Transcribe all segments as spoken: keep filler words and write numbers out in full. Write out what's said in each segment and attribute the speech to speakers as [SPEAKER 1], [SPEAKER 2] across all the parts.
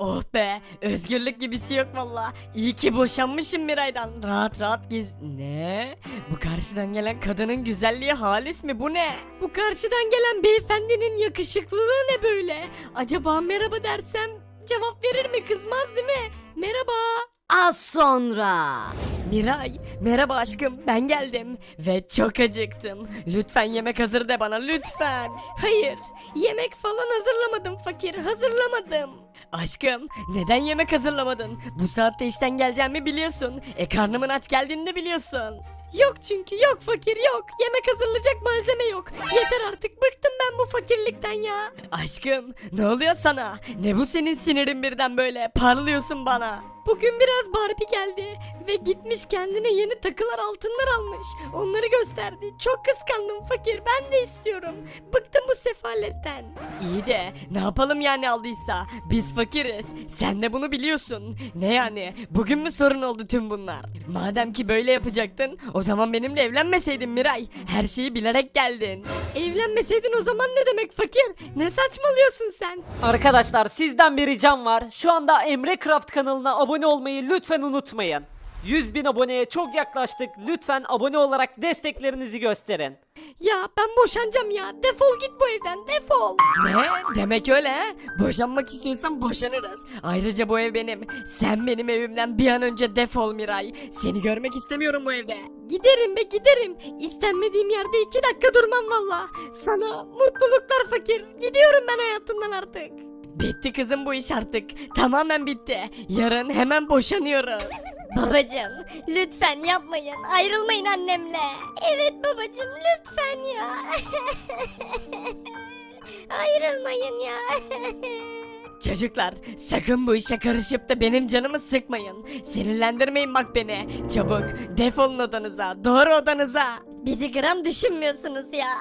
[SPEAKER 1] Oh be, özgürlük gibisi yok valla. İyi ki boşanmışım Miray'dan. Rahat rahat gez... Ne? Bu karşıdan gelen kadının güzelliği halis mi, bu ne? Bu karşıdan gelen beyefendinin yakışıklılığı ne böyle? Acaba merhaba dersem cevap verir mi, kızmaz değil mi? Merhaba.
[SPEAKER 2] Az sonra.
[SPEAKER 1] Miray, merhaba aşkım, ben geldim ve çok acıktım. Lütfen yemek hazır de bana, lütfen. Hayır, yemek falan hazırlamadım fakir, hazırlamadım. Aşkım, neden yemek hazırlamadın? Bu saatte işten geleceğimi biliyorsun. E karnımın aç geldiğini de biliyorsun. Yok çünkü, yok fakir, yok. Yemek hazırlayacak malzeme yok. Yeter artık, bıktım ben bu fakirlikten ya. Aşkım, ne oluyor sana? Ne bu senin sinirin birden böyle? Parlıyorsun bana. Bugün biraz Barbie geldi ve gitmiş kendine yeni takılar, altınlar almış. Onları gösterdi. Çok kıskandım fakir, ben de istiyorum. Bıktım bu sefaletten. İyi de ne yapalım yani, aldıysa? Biz fakiriz. Sen de bunu biliyorsun. Ne yani? Bugün mü sorun oldu tüm bunlar? Madem ki böyle yapacaktın, o zaman benimle evlenmeseydin Miray. Her şeyi bilerek geldin. Evlenmeseydin o zaman ne demek fakir? Ne saçmalıyorsun sen?
[SPEAKER 3] Arkadaşlar sizden bir ricam var. Şu anda Emre Craft kanalına abone olmayı lütfen unutmayın. yüz bin aboneye çok yaklaştık. Lütfen abone olarak desteklerinizi gösterin.
[SPEAKER 1] Ya ben boşanacağım ya. Defol git bu evden, defol. Ne? Demek öyle he? Boşanmak istiyorsan boşanırız. Ayrıca bu ev benim. Sen benim evimden bir an önce defol Miray. Seni görmek istemiyorum bu evde. Giderim be, giderim. İstenmediğim yerde iki dakika durmam valla. Sana mutluluklar fakir. Gidiyorum ben hayatından artık. Bitti kızım bu iş artık. Tamamen bitti. Yarın hemen boşanıyoruz.
[SPEAKER 2] Babacım lütfen yapmayın. Ayrılmayın annemle. Evet babacım lütfen ya. Ayrılmayın ya.
[SPEAKER 1] Çocuklar, sakın bu işe karışıp da benim canımı sıkmayın. Sinirlendirmeyin bak beni. Çabuk defolun odanıza. Doğru odanıza.
[SPEAKER 2] Bizi gram düşünmüyorsunuz ya.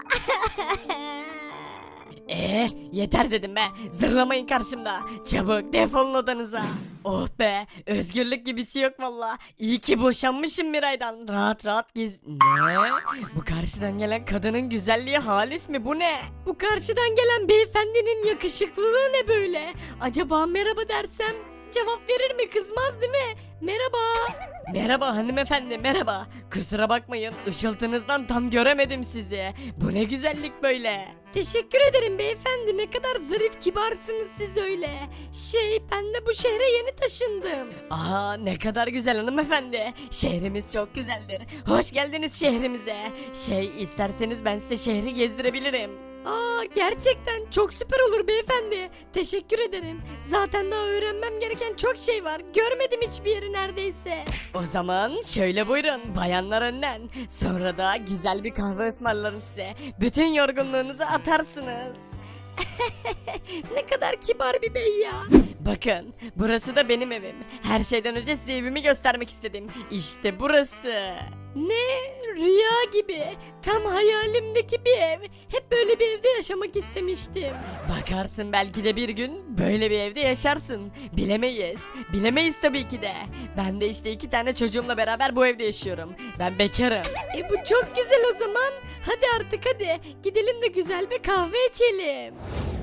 [SPEAKER 1] Ee, yeter dedim be. Zırlamayın karşımda. Çabuk defolun odanıza. Oh be, özgürlük gibisi yok valla. İyi ki boşanmışım Miray'dan. Rahat rahat gez... Ne? Bu karşıdan gelen kadının güzelliği halis mi, bu ne? Bu karşıdan gelen beyefendinin yakışıklılığı ne böyle? Acaba merhaba dersem cevap verir mi, kızmaz değil mi? Merhaba. Merhaba hanımefendi, merhaba. Kusura bakmayın, ışıltınızdan tam göremedim sizi. Bu ne güzellik böyle. Teşekkür ederim beyefendi, ne kadar zarif, kibarsınız siz öyle. Şey, ben de bu şehre yeni taşındım. Aa, ne kadar güzel hanımefendi. Şehrimiz çok güzeldir. Hoş geldiniz şehrimize. Şey, isterseniz ben size şehri gezdirebilirim. Aa, gerçekten çok süper olur beyefendi. Teşekkür ederim. Zaten daha öğrenmem gereken çok şey var. Görmedim hiçbir yeri neredeyse. O zaman şöyle buyurun, bayanlar önden. Sonra da güzel bir kahve ısmarlarım size. Bütün yorgunluğunuzu atarsınız. Ne kadar kibar bir bey ya. Bakın, burası da benim evim. Her şeyden önce size evimi göstermek istedim. İşte burası. Ne? Rüya gibi. Tam hayalimdeki bir ev. Hep böyle bir evde yaşamak istemiştim. Bakarsın belki de bir gün böyle bir evde yaşarsın. Bilemeyiz. Bilemeyiz tabii ki de. Ben de işte iki tane çocuğumla beraber bu evde yaşıyorum. Ben bekarım. E bu çok güzel o zaman. Hadi artık hadi. Gidelim de güzel bir kahve içelim.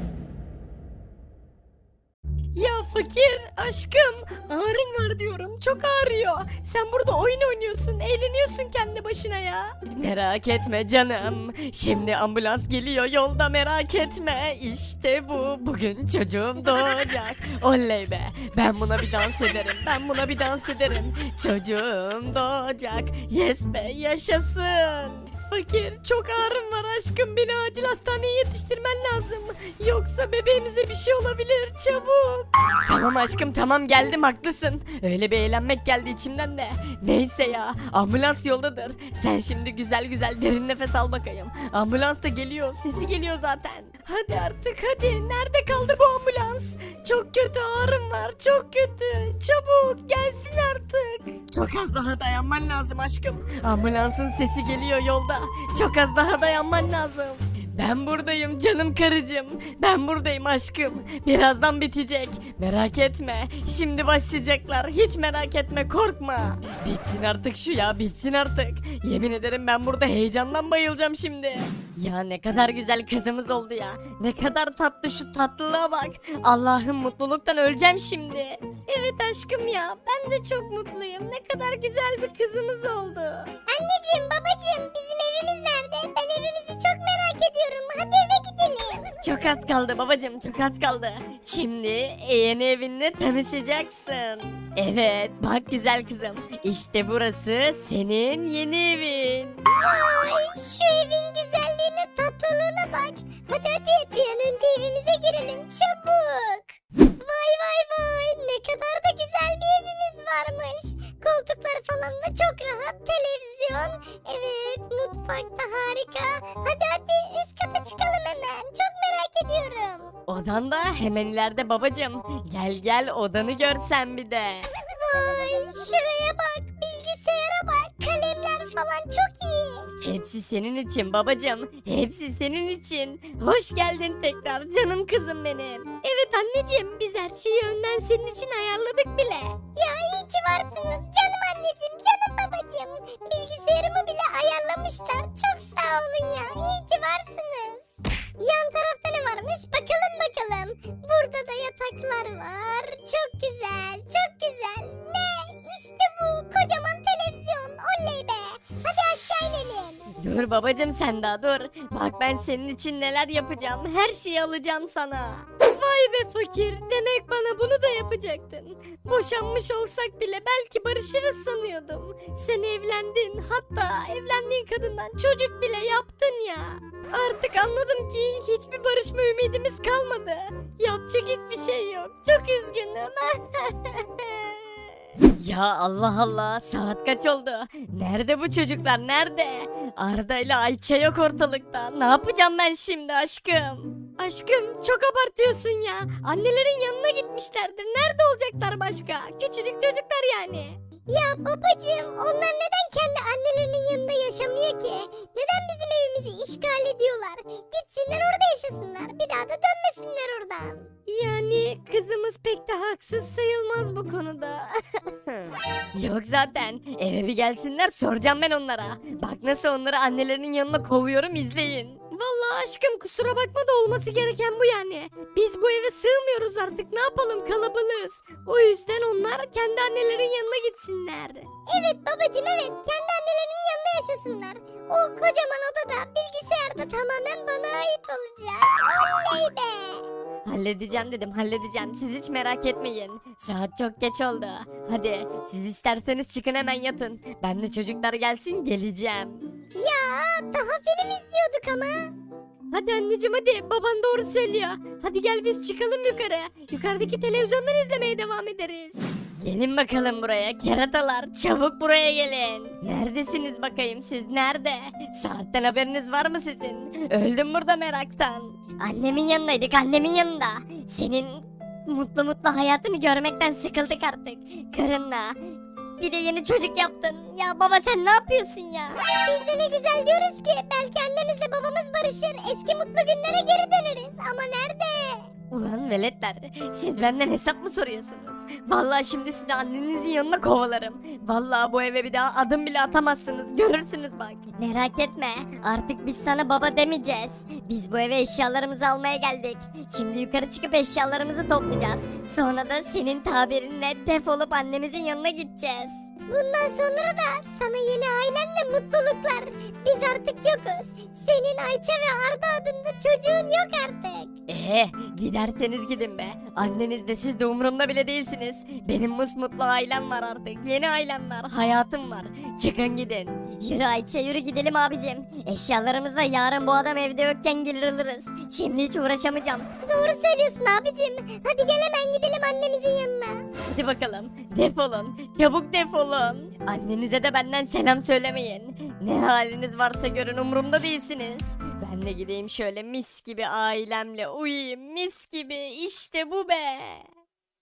[SPEAKER 1] Ya fakir aşkım, ağrım var diyorum, çok ağrıyor. Sen burada oyun oynuyorsun, eğleniyorsun kendi başına ya. Merak etme canım, şimdi ambulans geliyor yolda, merak etme. İşte bu, bugün çocuğum doğacak. Oley be, ben buna bir dans ederim, ben buna bir dans ederim. Çocuğum doğacak, yes be, yaşasın. Fakir, çok ağrım var aşkım, beni acil hastaneye yetiştirmen lazım. Yoksa bebeğimize bir şey olabilir, çabuk. Tamam aşkım, tamam, geldim, haklısın. Öyle bir eğlenmek geldi içimden de. Neyse ya, ambulans yoldadır. Sen şimdi güzel güzel derin nefes al bakayım. Ambulans da geliyor, sesi geliyor zaten. Hadi artık hadi, nerede kaldı bu ambulans? Çok kötü ağrım var, çok kötü. Çabuk gelsin artık. Çok az daha dayanman lazım aşkım. Ambulansın sesi geliyor yolda. Çok az daha dayanman lazım. Ben buradayım canım karıcığım. Ben buradayım aşkım. Birazdan bitecek. Merak etme. Şimdi başlayacaklar. Hiç merak etme, korkma. Bitsin artık şu ya, bitsin artık. Yemin ederim ben burada heyecandan bayılacağım şimdi. Ya ne kadar güzel kızımız oldu ya. Ne kadar tatlı, şu tatlılığa bak. Allah'ım mutluluktan öleceğim şimdi.
[SPEAKER 2] Evet aşkım ya ben de çok mutluyum. Ne kadar güzel bir kızımız oldu. Anneciğim babacığım bizim evimiz nerede? Ben evimizi çok merak ediyorum. Hadi eve gidelim.
[SPEAKER 1] Çok az kaldı babacım, çok az kaldı. Şimdi yeni evinle tanışacaksın. Evet, bak güzel kızım. İşte burası senin yeni evin.
[SPEAKER 2] Ay şu evin güzelliğine tatlılığına bak. Hadi hadi bir an önce evimize girelim çabuk. Vay vay vay ne kadar da güzel bir evimiz varmış. Koltuklar falan da çok rahat, televizyon. Evet mutfak da harika. Hadi hadi üst kata çıkalım hemen. Çok merak ediyorum.
[SPEAKER 1] Odan da hemen ileride babacım. Gel gel odanı görsen bir de.
[SPEAKER 2] Vay şuraya bak, bilgisayara bak, kalemler falan çok iyi.
[SPEAKER 1] Hepsi senin için babacım. Hepsi senin için. Hoş geldin tekrar canım kızım benim.
[SPEAKER 2] Evet anneciğim biz her şeyi önden senin için ayarladık bile. Ya iyi ki varsınız canım anneciğim, canım babacığım. Bilgisayarımı bile ayarlamışlar. Çok sağ olun ya, iyi ki varsınız. Yan tarafta ne varmış bakalım bakalım. Burada da yataklar var. Çok güzel, çok güzel. Ne? İşte bu kocaman televizyon. Oley be. Hadi aşağı inelim.
[SPEAKER 1] Dur babacım sen daha dur. Bak ben senin için neler yapacağım. Her şeyi alacağım sana.
[SPEAKER 2] Vay be fakir. Demek bana bunu da yapacaktın. Boşanmış olsak bile belki barışırız sanıyordum. Sen evlendin. Hatta evlendiğin kadından çocuk bile yaptın ya. Artık anladım ki hiçbir barışma ümidimiz kalmadı. Yapacak hiçbir şey yok. Çok üzgünüm.
[SPEAKER 1] Ya Allah Allah, saat kaç oldu? Nerede bu çocuklar, nerede? Arda ile Ayça yok ortalıkta. Ne yapacağım ben şimdi aşkım?
[SPEAKER 2] Aşkım çok abartıyorsun ya. Annelerin yanına gitmişlerdir. Nerede olacaklar başka? Küçücük çocuklar yani. Ya babacığım onlar neden kendi annelerinin yanında yaşamıyor ki? Neden bizim evimizi işgal ediyorlar? Gitsinler orada yaşasınlar. Bir daha da dönmesinler oradan. Yani kızımız pek de haksız sayılmaz bu konuda.
[SPEAKER 1] Yok zaten. Eve bir gelsinler, soracağım ben onlara. Bak nasıl onları annelerinin yanına kovuyorum, izleyin.
[SPEAKER 2] Vallahi aşkım kusura bakma da olması gereken bu yani. Biz bu eve sığmıyoruz artık, ne yapalım, kalabalığız. O yüzden onlar kendi annelerin yanına gitsinler. Evet babacığım evet, kendi annelerinin yanında yaşasınlar. O kocaman odada bilgisayarda tamamen bana ait olacak. Oley be.
[SPEAKER 1] Halledeceğim dedim, halledeceğim. Siz hiç merak etmeyin. Saat çok geç oldu. Hadi siz isterseniz çıkın hemen yatın. Ben de çocuklar gelsin geleceğim.
[SPEAKER 2] Ya daha film izliyorduk ama. Hadi anneciğim hadi, baban doğru söylüyor. Hadi gel biz çıkalım yukarı. Yukarıdaki televizyondan izlemeye devam ederiz.
[SPEAKER 1] Gelin bakalım buraya keratalar, çabuk buraya gelin. Neredesiniz bakayım, siz nerede? Saatten haberiniz var mı sizin? Öldüm burada meraktan.
[SPEAKER 2] Annemin yanındaydık, annemin yanında. Senin mutlu mutlu hayatını görmekten sıkıldık artık. Karınla. Bir de yeni çocuk yaptın. Ya baba sen ne yapıyorsun ya? Biz de ne güzel diyoruz ki belki annemizle babamız barışır. Eski mutlu günlere geri döneriz. Ama nerede?
[SPEAKER 1] Ulan veletler, siz benden hesap mı soruyorsunuz? Vallahi şimdi sizi annenizin yanına kovalarım. Vallahi bu eve bir daha adım bile atamazsınız, görürsünüz bak.
[SPEAKER 2] Merak etme. Artık biz sana baba demeyeceğiz. Biz bu eve eşyalarımızı almaya geldik. Şimdi yukarı çıkıp eşyalarımızı toplayacağız. Sonra da senin tabirinle defolup annemizin yanına gideceğiz. Bundan sonra da sana yeni ailenle mutluluklar. Biz artık yokuz. Senin Ayça ve Arda adında çocuğun yok artık.
[SPEAKER 1] Ee, giderseniz gidin be. Anneniz de siz de umurumda bile değilsiniz. Benim musmutlu ailem var artık. Yeni ailem var, hayatım var. Çıkın gidin.
[SPEAKER 2] Yürü Ayça yürü gidelim abicim. Eşyalarımızla yarın bu adam evde yokken gelir alırız. Şimdi hiç uğraşamayacağım. Doğru söylüyorsun abicim. Hadi gel hemen gidelim annemizin yanına.
[SPEAKER 1] Hadi bakalım, defolun. Çabuk defolun. Annenize de benden selam söylemeyin. Ne haliniz varsa görün, umurumda değilsiniz. Ben de gideyim şöyle mis gibi ailemle uyuyayım, mis gibi. İşte bu be.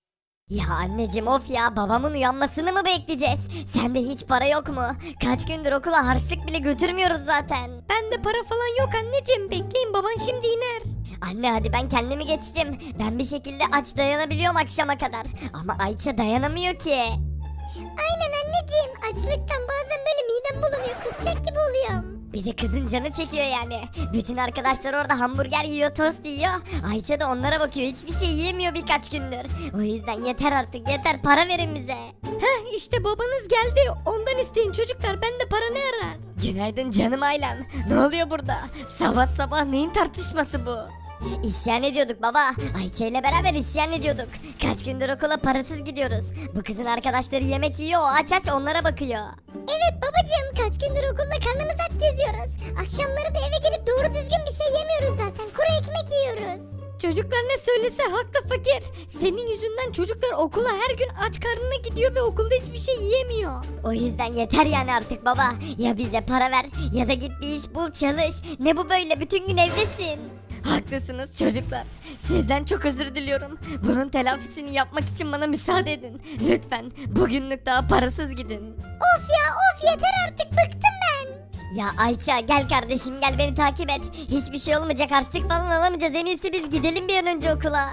[SPEAKER 2] Ya anneciğim of ya, babamın uyanmasını mı bekleyeceğiz? Sende hiç para yok mu? Kaç gündür okula harçlık bile götürmüyoruz zaten. Bende para falan yok anneciğim, bekleyin baban şimdi iner. Anne hadi, ben kendimi geçtim. Ben bir şekilde aç dayanabiliyorum akşama kadar. Ama Ayça dayanamıyor ki. Aynen anneciğim, açlıktan bazen böyle midem bulanıyor, kusacak gibi oluyorum. Bir de kızın canı çekiyor yani. Bütün arkadaşlar orada hamburger yiyor, tost yiyor. Ayça da onlara bakıyor, hiçbir şey yiyemiyor birkaç gündür. O yüzden yeter artık, yeter, para verin bize. Heh işte babanız geldi, ondan isteyin çocuklar, bende para ne arar? Günaydın canım ailem. Ne oluyor burada? Sabah sabah neyin tartışması bu? İsyan ediyorduk baba. Ayça ile beraber isyan ediyorduk. Kaç gündür okula parasız gidiyoruz. Bu kızın arkadaşları yemek yiyor, o aç aç onlara bakıyor. Evet babacığım, kaç gündür okulda karnımız aç geziyoruz. Akşamları da eve gelip doğru düzgün bir şey yemiyoruz zaten. Kuru ekmek yiyoruz. Çocuklar ne söylese haklı fakir. Senin yüzünden çocuklar okula her gün aç karnına gidiyor ve okulda hiçbir şey yiyemiyor. O yüzden yeter yani artık baba. Ya bize para ver ya da git bir iş bul, çalış. Ne bu böyle, bütün gün evdesin. Haklısınız çocuklar. Sizden çok özür diliyorum. Bunun telafisini yapmak için bana müsaade edin. Lütfen bugünlük daha parasız gidin. Of ya of, yeter artık, bıktım ben. Ya Ayça gel kardeşim, gel beni takip et. Hiçbir şey olmayacak, harçlık falan alamayacağız. En iyisi biz gidelim bir an önce okula.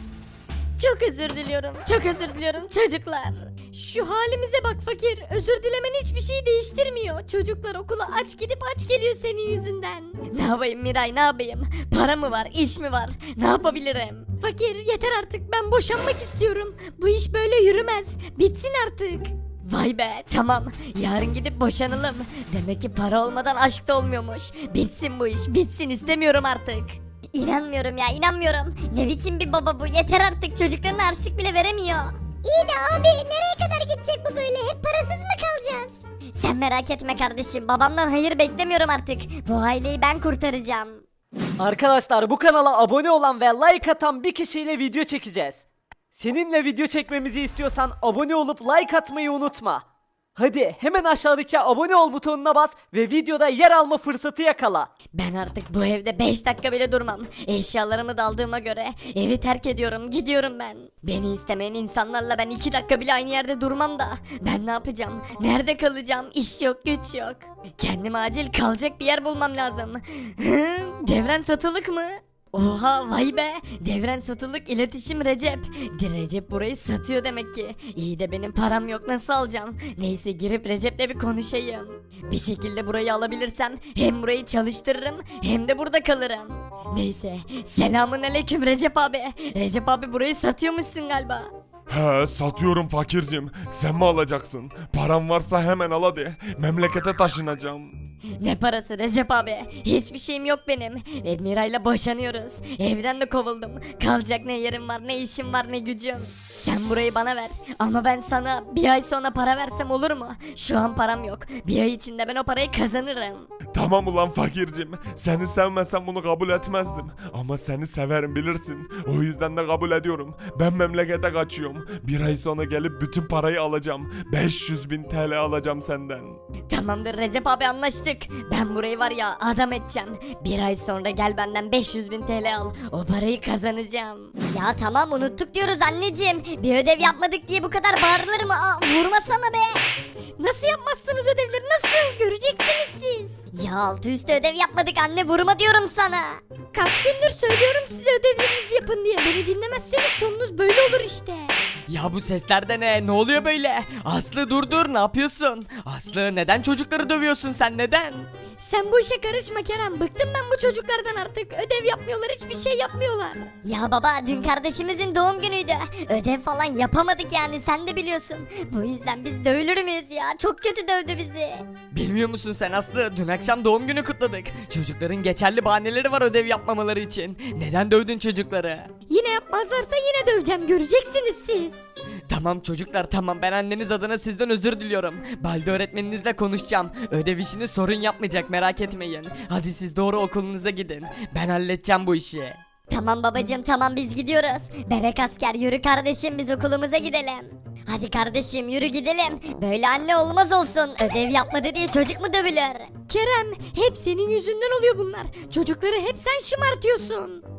[SPEAKER 2] Çok özür diliyorum. Çok özür diliyorum çocuklar. Şu halimize bak fakir. Özür dilemen hiçbir şey değiştirmiyor. Çocuklar okula aç gidip aç geliyor senin yüzünden. Ne yapayım Miray, ne yapayım? Para mı var, iş mi var? Ne yapabilirim? Fakir yeter artık, ben boşanmak istiyorum. Bu iş böyle yürümez. Bitsin artık. Vay be, tamam, yarın gidip boşanalım. Demek ki para olmadan aşk da olmuyormuş. Bitsin bu iş, bitsin, istemiyorum artık. İnanmıyorum ya, inanmıyorum. Ne biçim bir baba bu, yeter artık, çocuklarına harçlık bile veremiyor. İyi de abi, nereye kadar gidecek bu böyle, hep parasız mı kalacağız? Sen merak etme kardeşim, babamdan hayır beklemiyorum artık. Bu aileyi ben kurtaracağım.
[SPEAKER 3] Arkadaşlar bu kanala abone olan ve like atan bir kişiyle video çekeceğiz. Seninle video çekmemizi istiyorsan abone olup like atmayı unutma. Hadi hemen aşağıdaki abone ol butonuna bas ve videoda yer alma fırsatı yakala.
[SPEAKER 1] Ben artık bu evde beş dakika bile durmam. Eşyalarımı da aldığıma göre evi terk ediyorum, gidiyorum ben. Beni istemeyen insanlarla ben iki dakika bile aynı yerde durmam da. Ben ne yapacağım? Nerede kalacağım? İş yok, güç yok. Kendime acil kalacak bir yer bulmam lazım. Hı, Devren satılık mı? Oha, vay be, Devren satılık, iletişim Recep. Recep burayı satıyor demek ki. İyi de benim param yok, nasıl alacağım? Neyse, girip Recep'le bir konuşayım. Bir şekilde burayı alabilirsem hem burayı çalıştırırım hem de burada kalırım. Neyse, selamun aleyküm Recep abi. Recep abi burayı satıyormuşsun galiba.
[SPEAKER 4] He, satıyorum fakircim. Sen mi alacaksın? Param varsa hemen al hadi. Memlekete taşınacağım.
[SPEAKER 1] Ne parası Recep abi? Hiçbir şeyim yok benim. Ve Miray'la boşanıyoruz. Evden de kovuldum. Kalacak ne yerim var, ne işim var, ne gücüm. Sen burayı bana ver. Ama ben sana bir ay sonra para versem olur mu? Şu an param yok. Bir ay içinde ben o parayı kazanırım.
[SPEAKER 4] Tamam ulan fakircim. Seni sevmesem bunu kabul etmezdim. Ama seni severim bilirsin. O yüzden de kabul ediyorum. Ben memlekete kaçıyorum. Bir ay sonra gelip bütün parayı alacağım. beş yüz bin T L alacağım senden.
[SPEAKER 1] Tamamdır Recep abi, anlaştık. Ben burayı var ya adam edeceğim. Bir ay sonra gel benden beş yüz bin T L al. O parayı kazanacağım.
[SPEAKER 2] Ya tamam, unuttuk diyoruz anneciğim. Bir ödev yapmadık diye bu kadar bağırılır mı? Aa, vurmasana be.
[SPEAKER 1] Nasıl yapmazsınız ödevleri, nasıl? Göreceksiniz siz.
[SPEAKER 2] Ya altı üstü ödev yapmadık anne, vurma diyorum sana.
[SPEAKER 1] Kaç gündür söylüyorum size ödevlerinizi yapın diye. Beni dinlemezseniz sonunuz böyle olur işte. Ya bu sesler de ne? Ne oluyor böyle? Aslı dur dur, ne yapıyorsun? Aslı, neden çocukları dövüyorsun sen, neden? Sen bu işe karışma Kerem. Bıktım ben bu çocuklardan artık. Ödev yapmıyorlar, hiçbir şey yapmıyorlar.
[SPEAKER 2] Ya baba, dün kardeşimizin doğum günüydü. Ödev falan yapamadık yani, sen de biliyorsun. Bu yüzden biz dövülür müyüz ya? Çok kötü dövdü bizi.
[SPEAKER 1] Bilmiyor musun sen Aslı? Dün akşam doğum günü kutladık. Çocukların geçerli bahaneleri var ödev yapmamaları için. Neden dövdün çocukları? Yine yapmazlarsa yine döveceğim. Göreceksiniz siz. Tamam çocuklar, tamam, ben anneniz adına sizden özür diliyorum. Balde öğretmeninizle konuşacağım. Ödev işini sorun yapmayacak, merak etmeyin. Hadi siz doğru okulunuza gidin. Ben halledeceğim bu işi.
[SPEAKER 2] Tamam babacığım, tamam, biz gidiyoruz. Bebek asker yürü kardeşim, biz okulumuza gidelim. Hadi kardeşim yürü gidelim. Böyle anne olmaz olsun. Ödev yapmadı diye çocuk mu dövülür?
[SPEAKER 1] Kerem, hep senin yüzünden oluyor bunlar. Çocukları hep sen şımartıyorsun.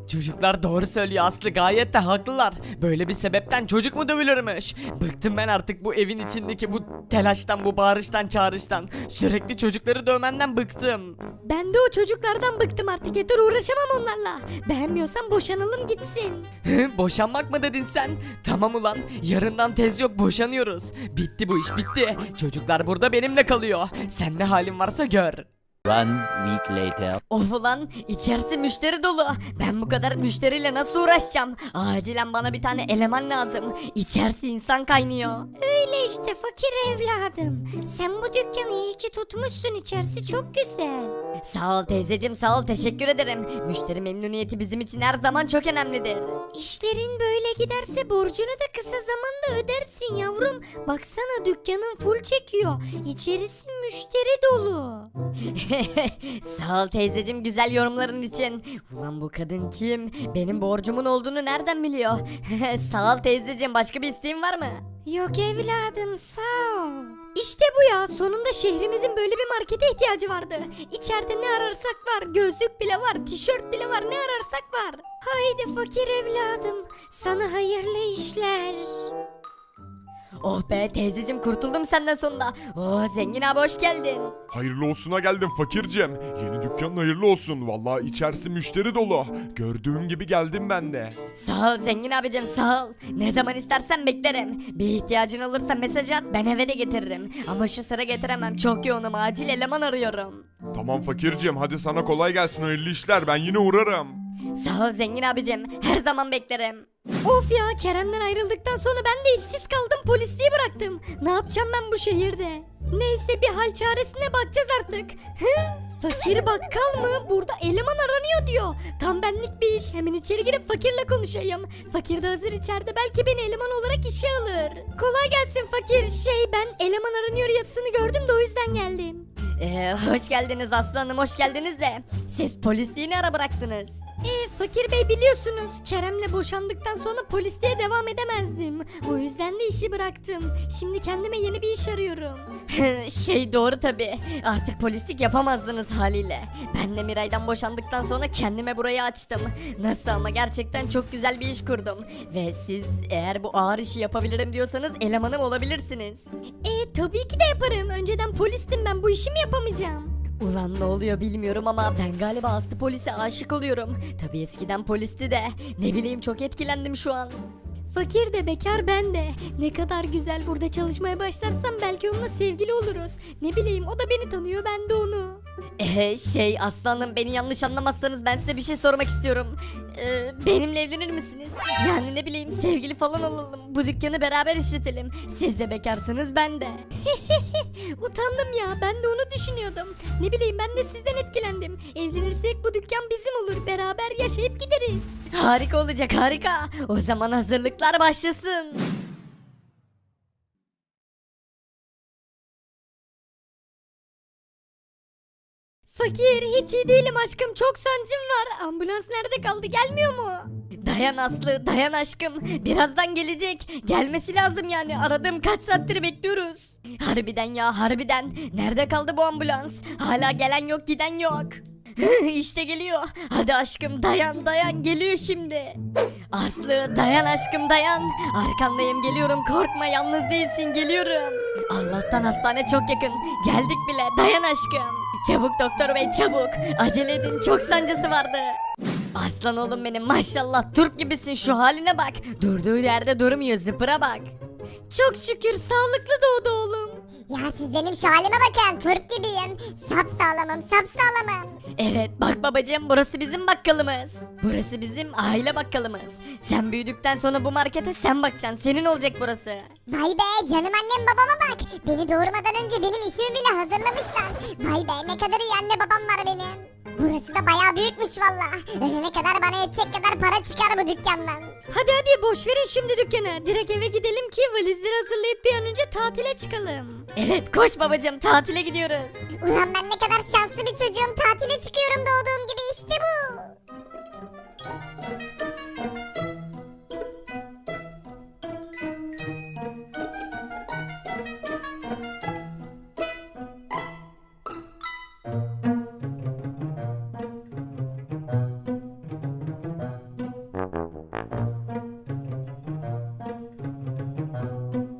[SPEAKER 1] Çocuklar doğru söylüyor, Aslı gayet de haklılar. Böyle bir sebepten çocuk mu dövülürmüş? Bıktım ben artık bu evin içindeki bu telaştan, bu bağırıştan, çağrıştan. Sürekli çocukları dövmenden bıktım.
[SPEAKER 2] Ben de o çocuklardan bıktım artık, yeter, uğraşamam onlarla. Beğenmiyorsan boşanalım gitsin.
[SPEAKER 1] Hı, boşanmak mı dedin sen? Tamam ulan, yarından tez yok, boşanıyoruz. Bitti bu iş, bitti. Çocuklar burada benimle kalıyor. Sen ne halin varsa gör.
[SPEAKER 5] One week later.
[SPEAKER 2] Of ulan, içerisi müşteri dolu. Ben bu kadar müşteriyle nasıl uğraşacağım? Acilen bana bir tane eleman lazım. İçerisi insan kaynıyor. Öyle işte fakir evladım. Sen bu dükkanı iyi ki tutmuşsun, içerisi çok güzel. Sağ ol teyzeciğim, sağ ol, teşekkür ederim. Müşteri memnuniyeti bizim için her zaman çok önemlidir. İşlerin böyle giderse borcunu da kısa zamanda ödersin yavrum. Baksana dükkanın full çekiyor. İçerisi müşteri dolu. Sağ ol teyzeciğim güzel yorumların için. Ulan bu kadın kim? Benim borcumun olduğunu nereden biliyor? Sağ ol teyzeciğim, başka bir isteğin var mı? Yok evladım, sağ ol. İşte bu ya, sonunda şehrimizin böyle bir markete ihtiyacı vardı. İçeride ne ararsak var, gözlük bile var, tişört bile var, ne ararsak var. Haydi fakir evladım, sana hayırlı işler. Oh be teyzeciğim, kurtuldum senden sonunda. Oh zengin abi, hoş geldin.
[SPEAKER 4] Hayırlı olsuna geldim fakircem. Yeni dükkanın hayırlı olsun. Vallahi içerisi müşteri dolu. Gördüğüm gibi geldim ben de.
[SPEAKER 2] Sağ ol zengin abicim, sağ ol. Ne zaman istersen beklerim. Bir ihtiyacın olursa mesaj at, ben eve de getiririm. Ama şu sıra getiremem, çok yoğunum, acil eleman arıyorum.
[SPEAKER 4] Tamam fakircem, hadi sana kolay gelsin, hayırlı işler, ben yine uğrarım.
[SPEAKER 2] Sağ ol zengin abicim, her zaman beklerim. Of ya, Kerem'den ayrıldıktan sonra ben de işsiz kaldım, polisliği bıraktım. Ne yapacağım ben bu şehirde? Neyse, bir hal çaresine bakacağız artık. Hı? Fakir bakkal mı? Burada eleman aranıyor diyor. Tam benlik bir iş. Hemen içeri girip fakirle konuşayım. Fakir de hazır içeride, belki beni eleman olarak işe alır. Kolay gelsin fakir. Şey, ben eleman aranıyor yazısını gördüm de o yüzden geldim. Ee, hoş geldiniz aslanım, hoş geldiniz de. Siz polisliği ne ara bıraktınız? Ee, fakir bey biliyorsunuz, Kerem'le boşandıktan sonra polisliğe devam edemezdim. O yüzden de işi bıraktım. Şimdi kendime yeni bir iş arıyorum. Şey doğru tabi. Artık polislik yapamazdınız haliyle. Ben de Miray'dan boşandıktan sonra kendime burayı açtım. Nasıl ama, gerçekten çok güzel bir iş kurdum. Ve siz eğer bu ağır işi yapabilirim diyorsanız elemanım olabilirsiniz. E tabii ki de yaparım. Önceden polistim ben, bu işi mi yapamayacağım? Ulan ne oluyor bilmiyorum ama ben galiba Aslı polise aşık oluyorum. Tabii eskiden polisti de. Ne bileyim, çok etkilendim şu an. Fakir de bekar, ben de. Ne kadar güzel, burada çalışmaya başlarsam belki onunla sevgili oluruz. Ne bileyim, o da beni tanıyor, ben de onu. Ee, şey aslanım, beni yanlış anlamazsanız ben size bir şey sormak istiyorum. Ee, benimle evlenir misiniz? Yani ne bileyim, sevgili falan olalım. Bu dükkanı beraber işletelim. Siz de bekarsınız, ben de. Utandım ya, ben de onu düşünüyordum. Ne bileyim, ben de sizden etkilendim. Evlenirsek bu dükkan bizim olur. Beraber yaşayıp gideriz. Harika olacak, harika. O zaman hazırlıklar başlasın. Fakir, hiç iyi değilim aşkım, çok sancım var. Ambulans nerede kaldı, gelmiyor mu? Dayan Aslı, dayan aşkım. Birazdan gelecek. Gelmesi lazım yani. Aradığım kaç saattir bekliyoruz. Harbiden ya, harbiden. Nerede kaldı bu ambulans? Hala gelen yok, giden yok. İşte geliyor. Hadi aşkım, dayan dayan, geliyor şimdi. Aslı dayan aşkım, dayan. Arkandayım, geliyorum, korkma, yalnız değilsin, geliyorum. Allah'tan hastane çok yakın. Geldik bile, dayan aşkım. Çabuk doktor bey, çabuk. Acele edin, çok sancısı vardı. Aslan oğlum benim, maşallah turp gibisin, şu haline bak. Durduğu yerde durmuyor, zıpıra bak. Çok şükür sağlıklı doğdu oğlum.
[SPEAKER 6] Ya siz benim şu halime bakın, turp gibiyim. Sap sağlamım, sap sağlamım.
[SPEAKER 2] Evet bak babacığım, burası bizim bakkalımız. Burası bizim aile bakkalımız. Sen büyüdükten sonra bu markete sen bakacaksın, senin olacak burası.
[SPEAKER 6] Vay be, canım annem babama bak. Beni doğurmadan önce benim işimi bile hazırlamışlar. Vay be, ne kadar iyi anne babam var benim. Burası da bayağı büyükmüş valla. Ölene kadar bana yetecek kadar para çıkar bu dükkandan.
[SPEAKER 2] Hadi hadi boş verin şimdi dükkanı. Direkt eve gidelim ki valizleri hazırlayıp bir an önce tatile çıkalım. Evet koş babacığım, tatile gidiyoruz.
[SPEAKER 6] Ulan ben ne kadar şanslı bir çocuğum, tatile çıkıyorum doğru